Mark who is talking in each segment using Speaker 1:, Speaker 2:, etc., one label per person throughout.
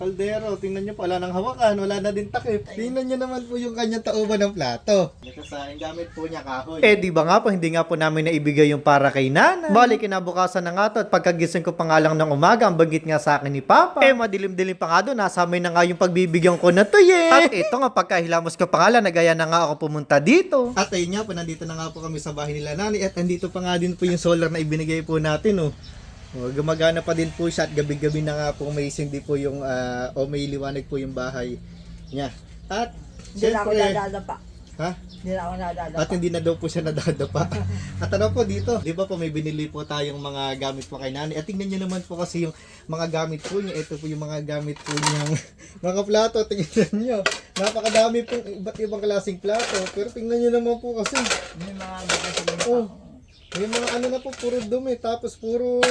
Speaker 1: Kaldero, tingnan nyo po, wala nang hawakan, wala na din takip. Tingnan nyo naman po yung kanyang tauban ng plato. Nakasain gamit po niya kahoy.
Speaker 2: Di ba nga po, hindi nga po namin naibigay yung para kay nanay. Bali, kinabukasan na nga to at pagkagising ko pa nga lang ng umaga, ang banggit nga sa akin ni Papa. Madilim-dilim pa nga doon, nasa amin na nga yung pagbibigyan ko na to At ito nga, pagkahilamos ko pa nga lang, nagaya na nga ako pumunta dito.
Speaker 1: At ayun nga po, nandito na nga po kami sa bahay nila nanay. At nandito pa nga din po yung solar na ibinigay po natin. Gumagana pa din po siya at gabi-gabi na nga po may sindi po yung may liwanag po yung bahay niya. At
Speaker 3: Hindi na ako
Speaker 1: syempre,
Speaker 3: nadadapa.
Speaker 1: ha?
Speaker 3: Hindi na ako nadadapa.
Speaker 1: At hindi na daw po siya nadadapa. At ano po dito, di ba po may binili po tayong mga gamit po kay nanay. At tingnan nyo naman po kasi yung mga gamit po niya. Ito po yung mga gamit po niyang mga plato. Tingnan nyo. Napakadami pong iba't ibang klaseng plato. Pero tingnan nyo naman po kasi.
Speaker 3: May mga magkasabi na
Speaker 1: Oh. May mga ano na po, puro dumi. Tapos puro,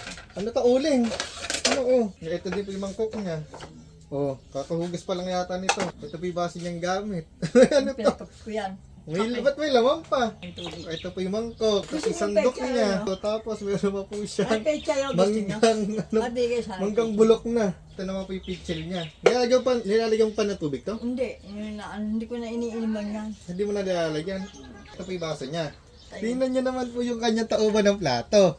Speaker 1: uling. Ito din po yung mangkok niya. Kakahugas pa lang yata nito. Ito po yung base niyang gamit. Ano to?
Speaker 3: pinatapos ko yan.
Speaker 1: Ba't may laman pa?
Speaker 3: Ang tubig.
Speaker 1: Ito po yung mangkok. Tapos
Speaker 3: Gusto
Speaker 1: isang
Speaker 3: mo
Speaker 1: dok
Speaker 3: pecha,
Speaker 1: niya.
Speaker 3: ano?
Speaker 1: Tapos meron pa po siya.
Speaker 3: Ay, pecha yung gusto niya. Mabigay sa akin.
Speaker 1: Manggang bulok na. Ito naman po yung pitchel niya. Nilalagyan pa na tubig to?
Speaker 3: Hindi. Hindi ko na iniiniman yan.
Speaker 1: Hindi mo na nilalagyan. Ito po yung baso niya. Tingnan nyo naman po yung kanyang tauban ng plato.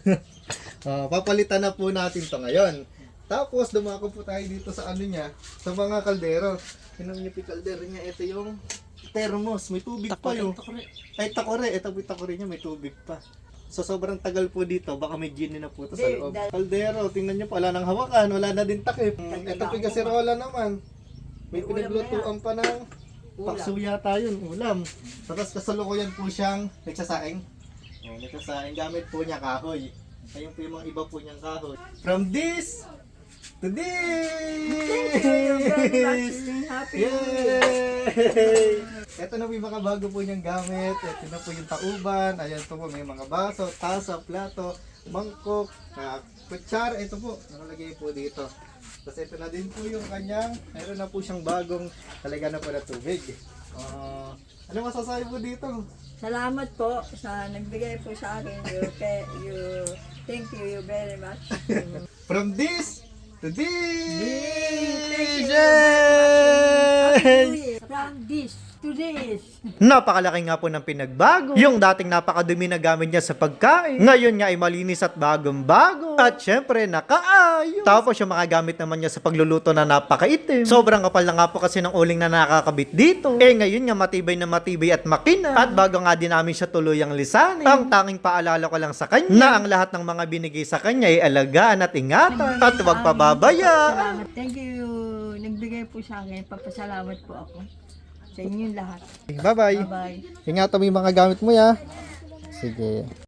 Speaker 1: Papalitan na po natin to ngayon. Tapos dumako po tayo dito sa ano niya, sa mga kaldero. Tingnan niyo po yung kaldero niya. Ito yung thermos. May tubig pa yun. Ay, takore. Ito po yung takore niya. May tubig pa. So sobrang tagal po dito. Baka may gin na po ito sa loob. Kaldero. Tingnan niyo po. Wala nang hawakan. Wala na din takip. Ito po yung kasirola naman. May pinaglutuan pa ng paksuya tayo, ulam. Tapos kasalukuyan po siyang nagsasaing. Nagsasaing gamit po niya kahoy. Ayun po yung mga iba po niyang kahoy. From this to this!
Speaker 3: Thank you. You're very much happy.
Speaker 1: Yay! Ito na po yung mga bago po niyang gamit. Ito na po yung tauban. Ayan po may mga baso, tasa, plato, mangkok, kutsara. Ito po, nakalagay po dito. Tapos ito na din po yung kanyang, mayroon na po siyang bagong talaga na po na tubig. Ano masasabi po dito?
Speaker 3: Salamat po sa nagbigay po sa akin. Thank you very much.
Speaker 1: From this to this!
Speaker 3: Yay! From this to this.
Speaker 2: Napakalaki nga po ng pinagbago. Yung dating napakadumi na gamit niya sa pagkain, ngayon nga ay malinis at bagong-bago. At syempre, nakaayos. Tapos yung mga gamit naman niya sa pagluluto na napakaitim. Sobrang kapal na nga po kasi ng uling na nakakabit dito. Ngayon nga matibay na matibay at makina. At bago nga din namin siya tuluyang lisanin, ang tanging paalala ko lang sa kanya na ang lahat ng mga binigay sa kanya ay alagaan at ingatan. At huwag pababayaan.
Speaker 3: Salamat. Thank you. Nagbigay po sa akin. Papasalamat po ako. Sa inyong lahat.
Speaker 1: Bye-bye!
Speaker 3: Bye-bye.
Speaker 1: Ingatan mo yung mga gamit mo ya. Sige.